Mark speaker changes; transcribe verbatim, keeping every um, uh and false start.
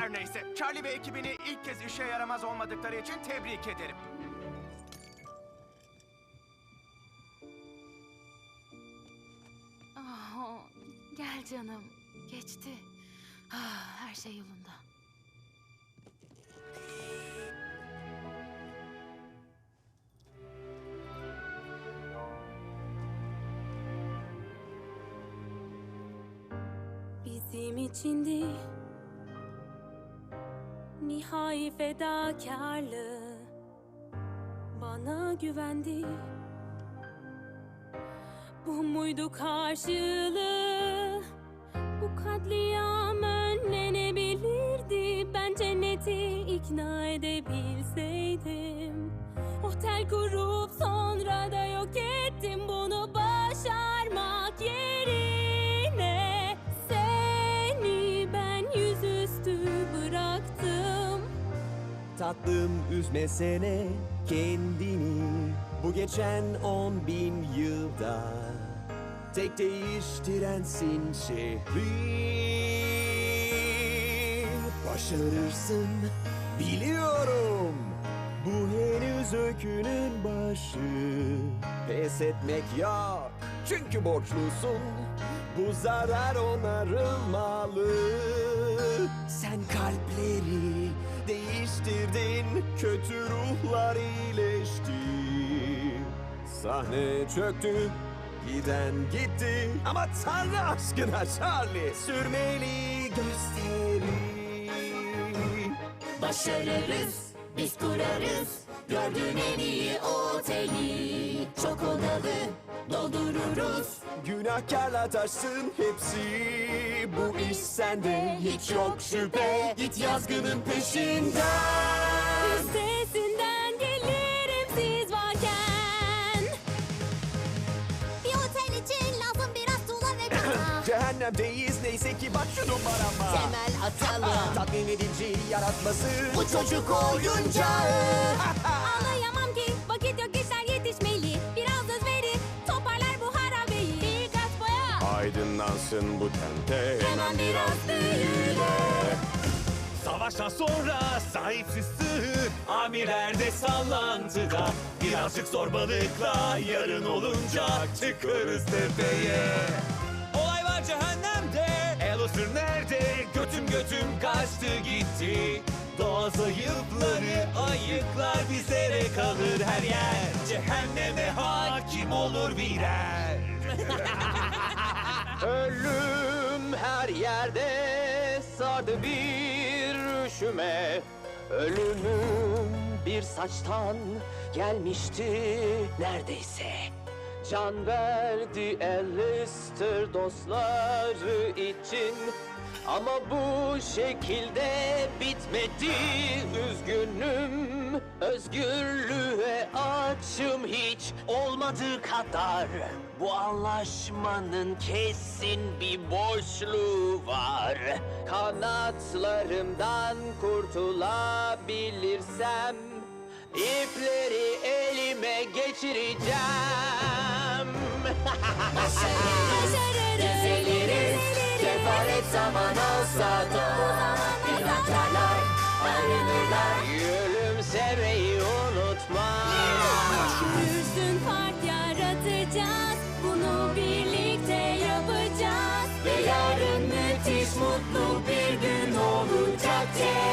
Speaker 1: Her neyse, Charlie ve ekibini ilk kez işe yaramaz olmadıkları için tebrik ederim.
Speaker 2: Oh, gel canım. Geçti. Ah, her şey yolunda.
Speaker 3: Bizim içindi nihai fedakarlığı, bana güvendi. Bu muydu karşılığı? Bu katliam önlenebilirdi. Ben cenneti ikna edebilseydim. Otel kurup sonra da yok ettim. Bunu başarmak yerine seni ben yüzüstü bıraktım.
Speaker 4: Tatlım, üzmesene kendini. Bu geçen on bin yılda tek değiştirensin şehri. Başarırsın, biliyorum. Bu henüz öykünün başı. Pes etmek yok, çünkü borçlusun. Bu zarar onarılmalı. Sen kalpleri değiştirdin, kötü ruhlar iyileşti. Sahne çöktü, giden gitti. Ama Tanrı aşkına Charlie, sürmeli gösteri.
Speaker 5: Başarırız, biz kurarız. Gördüğün en iyi oteli. Çok odalı doldururuz.
Speaker 4: Günahkarla taşsın hepsi. Bu iş sende, hiç yok şüphe. Git yazgının peşinden.
Speaker 3: Üstesinden gelirim siz varken.
Speaker 5: Bir otel için lazım biraz tuğla ve kama.
Speaker 4: Cehennemdeyiz, neyse ki bak şu numarama.
Speaker 5: Temel atalım.
Speaker 4: Tatmin edici yaratması.
Speaker 5: Bu çocuk oyuncağı.
Speaker 3: Ağlayamam ki vakit yok, işler yetişmeli. Biraz özveri toparlar bu harabeyi. Birkaç boya
Speaker 4: Aydınlansın bu tente.
Speaker 3: hemen biraz büyüle.
Speaker 6: Savaştan sonra sahipsiz sığır, amirlerde sallantıda. Birazcık zorbalıkla yarın olunca çıkarız tepeye. Olay var cehennemde, Alastor nerede? Götüm götüm kaçtı gitti. Doğa zayıfları ayıklar, bizlere kalır her yer. Cehenneme hakim olur birer.
Speaker 4: Ölüm her yerde sardı bir üşüme. Ölümüm bir saçtan gelmişti neredeyse. Can verdi Alastor dostları için. Ama bu şekilde bitmedi, üzgünüm. Özgürlüğe açım hiç olmadığı kadar. Bu anlaşmanın kesin bir boşluğu var. Kanatlarımdan kurtulabilirsem ipleri elime geçireceğim.
Speaker 5: Başarırız, düzeliriz. Kefaret zaman olsa da günahkarlar arınırlar.
Speaker 4: Gülümsemeyi unutma.
Speaker 3: Üstün fark yaratacağız. Bunu birlikte yapacağız.
Speaker 5: Ve yarın müthiş mutlu bir gün olacak.